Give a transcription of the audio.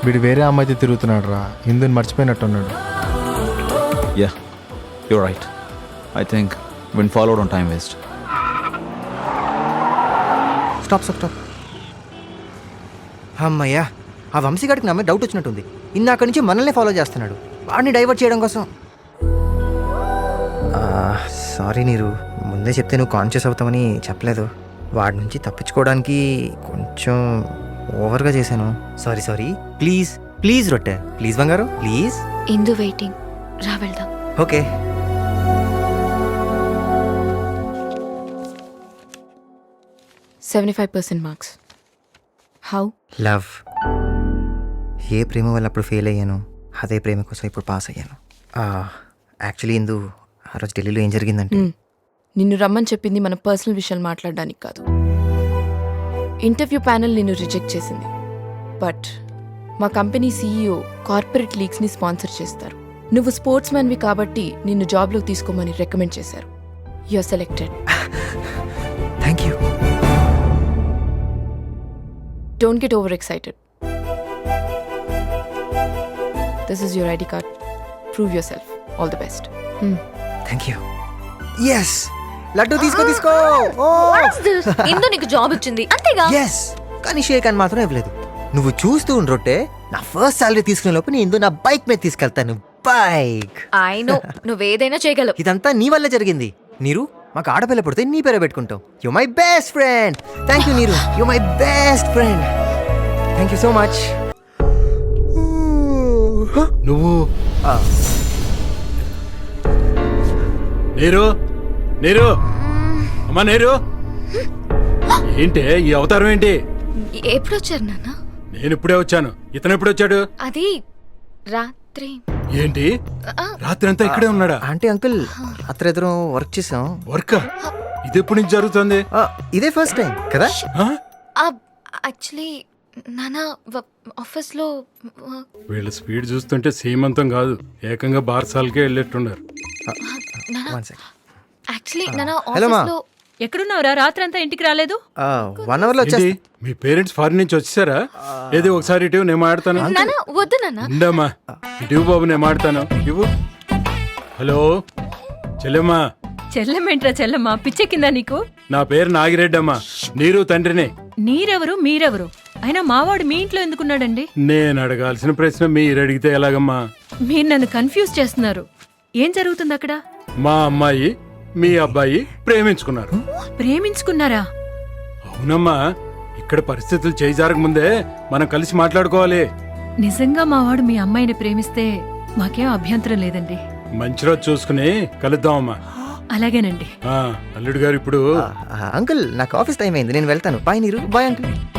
వీడు వేరే అమ్మాయితో తిరుగుతున్నాడు రా, ఇందుని మర్చిపోయినట్టున్నాడు. Yeah, you're right. I think when followed on time waste. Stop. అమ్మయ్యా, ఆ వంశీగాడికి నా మీద డౌట్ వచ్చినట్టుంది. ఇందాక నుంచి మనల్ని ఫాలో చేస్తున్నాడు, వాడిని డైవర్ట్ చేయడం కోసం. సారీ నీరు, ముందే చెప్తే నువ్వు కాన్షియస్ అవుతామని చెప్పలేదు. వాడి నుంచి తప్పించుకోవడానికి కొంచెం ఓవర్గా చేశాను. సారీ. ప్లీజ్ రొట్టె, ప్లీజ్ బంగారు, ప్లీజ్. ఇందు వెయిటింగ్, రా వెళ్దాం. ఓకే. మార్క్స్. హౌ? లవ్. ఏ ప్రేమ వల్ల అప్పుడు ఫెయిల్ అయ్యాను, అదే ప్రేమ కోసం ఇప్పుడు పాస్ అయ్యాను. యాక్చువల్లీ ఇందు, ఆ రోజు ఢిల్లీలో ఏం జరిగిందంటే, నిన్ను రమ్మని చెప్పింది మన పర్సనల్ విషయాలు మాట్లాడడానికి కాదు. ఇంటర్వ్యూ ప్యానెల్ నిన్ను రిజెక్ట్ చేసింది. బట్ మా కంపెనీ సీఈఓ కార్పొరేట్ లీగ్స్ని స్పాన్సర్ చేస్తారు. నువ్వు స్పోర్ట్స్ మ్యాన్వి కాబట్టి నిన్ను జాబ్లో తీసుకోమని రికమెండ్ చేశారు. You are selected. Thank you. Don't get over excited. This is your ID card. Prove yourself. All the best. Thank you. Yes, laddu తీసుకో. ఇందు నీకు జాబ్ వచ్చింది అంతేగా? ఎస్, కానీ షేక్ అని మాత్రం ఇవ్వలేదు. నువ్వు చూస్తూ ఉండ్రొట్టే, నా ఫస్ట్ సాలరీ తీసుకునే లోపు నేను నా బైక్ మీద తీసుకెళ్తాను. బైక్. ఐ నో, నువ్వేదైనా చేయగలవు. ఇదంతా నీ వల్ల జరిగింది. నీరు, మాకు ఆడపిల్ల పుడితే నీ పేరే పెట్టుకుంటాం. You my best friend. Thank you Neeru, you my best friend. Thank you so much. నువ్వు నీరు అమ్మా, నీరు ఏంటి ఈ అవతారం ఏంటి? ఎప్పుడు వచ్చారు నాన్న? నేను ఇప్పుడే వచ్చాను. ఇతను ఎప్పుడు వచ్చాడు? అది రాత్రి. ఏంటి రాత్రి అంతా ఇక్కడే ఉన్నాడా? ఆంటీ అంకుల్, రాత్రి ఇద్దరం వర్క్ చేసాం. వర్క్? ఇది ఎప్పటి నుంచి జరుగుతుంది? ఇదే ఫస్ట్ టైం కదా? యాక్చువల్లీ నాన్న ఆఫీస్ లో వీళ్ళ స్పీడ్ చూస్తుంటే సీమంతం కాదు, ఏకంగా బార్సాలకే వెళ్ళేట్టున్నారు. యాక్చువల్లీ నాన్న హలో మా, ఆఫీస్ లో. ఎక్కడున్నావురా? రాత్రంతా ఇంటికి రాలేదు? 1 hour లో ఏంటి, వచ్చేస్తా. మీ పేరెంట్స్ ఫారిన్ నుంచి వచ్చేసారా? ఏది ఒకసారి ఇటు, నేను మాడతాను. నాన్న వద్దు నాన్న. ఉండమ్మా, ఇటు బాబు, నేను మాడతాను. ఇవ్వు. హలో చెల్లెమ్మా. చెల్లెమేంట్రా చెల్లెమ్మా, పిచ్చెక్కిందా నీకు? నా పేరు నాగిరెడ్డి అమ్మా, నీరు తండ్రిని. నీరెవరు మీరెవరు? అయినా మావాడు మీ ఇంట్లో ఎందుకున్నాడండి? నేను అడగాల్సిన ప్రశ్న మీరు అడిగితే ఎలాగమ్మా? మీరు నన్ను కన్ఫ్యూజ్ చేస్తున్నారు. ఏం జరుగుతుంది అక్కడ? మా అమ్మాయి మీ అబ్బాయి ప్రేమించుకున్నారు. ప్రేమించుకున్నారా? అవునమ్మా, ఇక్కడ పరిస్థితులు చేజారక ముందే మనం కలిసి మాట్లాడుకోవాలి. నిజంగా మావాడు మీ అమ్మాయిని ప్రేమిస్తే మాకేం అభ్యంతరం లేదండి. మంచి రోజు చూసుకుని కలుద్దామమ్మా. అలాగేనండి. అల్లుడు గారు ఇప్పుడు అంకుల్, నాకు ఆఫీస్ టైం అయింది, నేను వెళ్తాను. బాయ్ నీరు. Bye uncle.